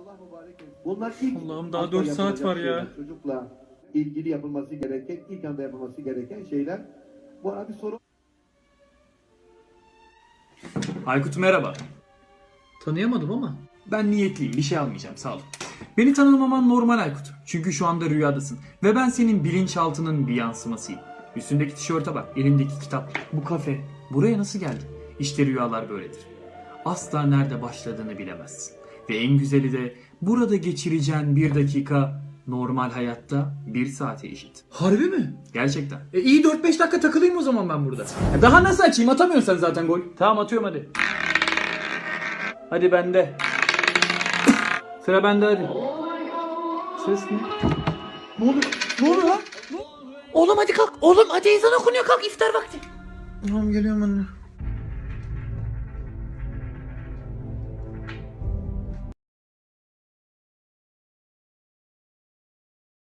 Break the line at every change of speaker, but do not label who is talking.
Bunlar ilk
Allah'ım daha 4 saat var ya.
şeyler. Çocukla ilgili yapılması gereken, ilk anda yapılması gereken şeyler. Bu arada bir soru.
Aykut merhaba.
Tanıyamadım ama.
Ben niyetliyim, bir şey almayacağım, sağ ol. Beni tanımaman normal Aykut. Çünkü şu anda rüyadasın. Ve ben senin bilinçaltının bir yansımasıyım. Üstündeki tişörte bak, elimdeki kitap, bu kafe. Buraya nasıl geldin? İşte rüyalar böyledir. Asla nerede başladığını bilemezsin. Ve en güzeli de burada geçireceğin bir dakika normal hayatta 1 saate eşit.
Harbi mi?
Gerçekten.
İyi 4-5 dakika takılayım o zaman ben burada.
Daha nasıl açayım? Atamıyorsun sen zaten gol. Tamam atıyorum hadi. Hadi bende. Sıra bende hadi. Ses ne?
Ne oluyor? Ne oluyor lan? Oğlum hadi kalk. Oğlum hadi ezan okunuyor, kalk iftar vakti. Tamam geliyorum anne.